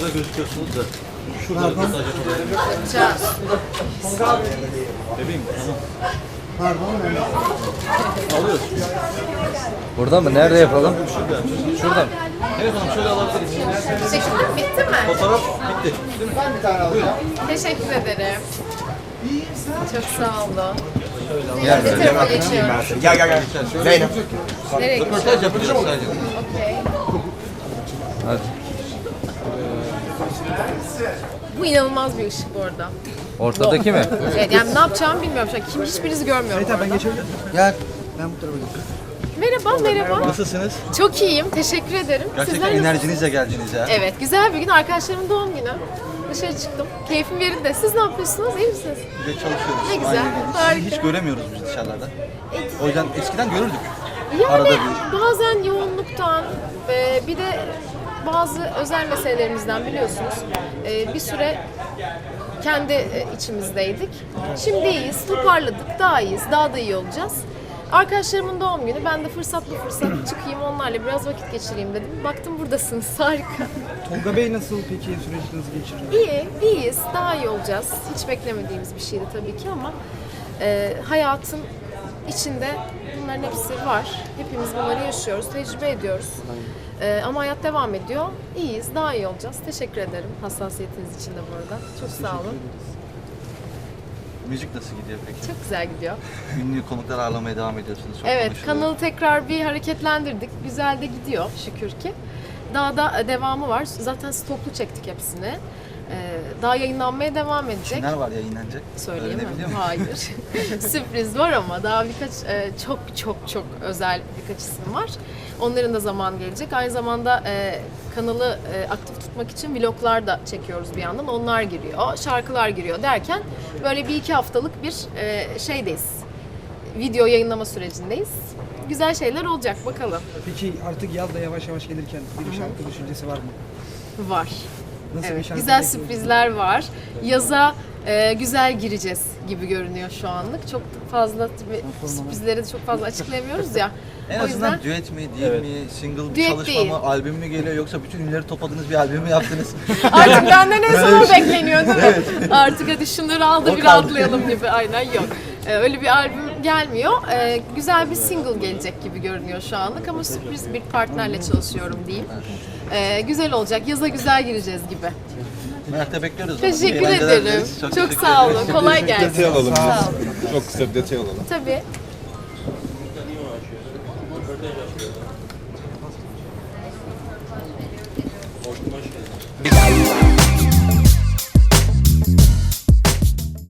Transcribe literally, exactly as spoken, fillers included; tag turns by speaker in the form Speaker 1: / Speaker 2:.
Speaker 1: Burada gözüküyorsunuz da.
Speaker 2: Şuradan.
Speaker 3: Yapacağız.
Speaker 1: Bebeğim tamam.
Speaker 2: Pardon ben.
Speaker 1: Alıyoruz.
Speaker 4: Burada mı? Nerede yapalım?
Speaker 1: Şurada.
Speaker 4: Şurada mı?
Speaker 1: Evet hanım şöyle alabiliriz.
Speaker 3: Teşekkürler. Bitti mi?
Speaker 1: Fotoğraf bitti. Değil mi?
Speaker 2: Ben bir tane alacağım.
Speaker 3: Teşekkür ederim. Çok sağ olun.
Speaker 4: Gel.
Speaker 3: Ne tarafa geçiyorum?
Speaker 2: Gel gel gel. Zeynep.
Speaker 3: Nereye geçiyorum?
Speaker 1: Röportaj yapacağız sadece.
Speaker 3: Okey.
Speaker 4: Hadi.
Speaker 3: Bu inanılmaz bir ışık bu arada.
Speaker 4: Ortadaki mi?
Speaker 3: Evet, yani ne yapacağımı bilmiyorum şu an. Kim hiçbirinizi görmüyorum bu arada.
Speaker 2: Gel. Ben bu tarafa geçeyim.
Speaker 3: Merhaba, merhaba.
Speaker 1: Nasılsınız?
Speaker 3: Çok iyiyim, teşekkür ederim.
Speaker 1: Gerçekten
Speaker 3: Sizler nasılsınız?
Speaker 1: enerjinizle geldiniz ya.
Speaker 3: Evet, güzel bir gün. Arkadaşlarımın doğum günü. Dışarı çıktım. Keyfim yerinde. Siz ne yapıyorsunuz? İyi misiniz?
Speaker 1: Bir de çalışıyoruz.
Speaker 3: Ne güzel,
Speaker 1: Aynen.
Speaker 3: harika.
Speaker 1: Sizi hiç göremiyoruz biz dışarılarda. O yüzden eskiden görürdük.
Speaker 3: Yani
Speaker 1: Arada bir.
Speaker 3: bazen yoğunluktan ve bir de bazı özel meselelerimizden biliyorsunuz e, bir süre kendi e, içimizdeydik. Şimdi iyiyiz, toparladık, daha iyiyiz, daha da iyi olacağız. Arkadaşlarımın doğum günü, ben de fırsat bu fırsat çıkayım onlarla biraz vakit geçireyim dedim. Baktım buradasınız, harika.
Speaker 2: Tolga Bey nasıl peki süreç nasıl geçiriyor?
Speaker 3: İyi, iyiyiz, daha iyi olacağız. Hiç beklemediğimiz bir şeydi tabii ki ama e, hayatın içinde bunların hepsi var. Hepimiz bunları yaşıyoruz, tecrübe ediyoruz. E, ama hayat devam ediyor. İyiyiz, daha iyi olacağız. Teşekkür ederim hassasiyetiniz için de bu arada. Çok sağ olun.
Speaker 1: Müzik nasıl gidiyor peki?
Speaker 3: Çok güzel gidiyor.
Speaker 1: Ünlü konuklar ağırlamaya devam ediyorsunuz. Çok
Speaker 3: Evet,
Speaker 1: konuşuluyor.
Speaker 3: kanalı tekrar bir hareketlendirdik. Güzel de gidiyor şükür ki. Daha da devamı var. Zaten stoklu çektik hepsini. Ee, daha yayınlanmaya devam edecek.
Speaker 1: Kimler var yayınlanacak?
Speaker 3: Söyleyemem.
Speaker 1: Öğrenebiliyor muyum?
Speaker 3: Hayır. Sürpriz var ama daha birkaç e, çok çok çok özel birkaç isim var. Onların da zaman gelecek. Aynı zamanda e, kanalı e, aktif tutmak için vloglar da çekiyoruz bir yandan. Onlar giriyor, şarkılar giriyor derken böyle bir iki haftalık bir e, şeydeyiz. Video yayınlama sürecindeyiz. Güzel şeyler olacak bakalım.
Speaker 2: Peki artık yaz da yavaş yavaş gelirken bir şarkı düşüncesi var mı?
Speaker 3: Var.
Speaker 2: Nasıl bir
Speaker 3: Evet,
Speaker 2: şarkı
Speaker 3: güzel
Speaker 2: bekliyorsun?
Speaker 3: sürprizler var. Yaza e, güzel gireceğiz gibi görünüyor şu anlık. Çok fazla tabii sürprizleri de çok fazla açıklayamıyoruz ya.
Speaker 1: En
Speaker 3: o yüzden
Speaker 1: azından düet mi, değil mi, single bir
Speaker 3: Düet
Speaker 1: çalışma
Speaker 3: değil.
Speaker 1: mı, albüm mü geliyor yoksa bütün ünlüleri topladınız bir albüm mü yaptınız?
Speaker 3: artık benden en son o bekleniyor değil mi? Artık hadi şunları al da
Speaker 1: O
Speaker 3: bir
Speaker 1: kaldı.
Speaker 3: rahatlayalım gibi. Aynen yok. E, öyle bir albüm gelmiyor. E, güzel bir single gelecek gibi görünüyor şu anlık ama sürpriz bir partnerle çalışıyorum diyeyim. E, güzel olacak. Yaza güzel gireceğiz gibi.
Speaker 1: Merakla bekliyoruz. o zaman.
Speaker 3: Teşekkür
Speaker 1: Eğlenceler
Speaker 3: ederim.
Speaker 1: dileriz.
Speaker 3: Çok,
Speaker 1: teşekkür
Speaker 3: sağ
Speaker 1: ederim.
Speaker 3: olun. Kolay gelsin.
Speaker 5: Detay alalım.
Speaker 3: Sağ olun.
Speaker 5: Çok kısa bir detay alalım.
Speaker 3: Tabii.
Speaker 6: Hoş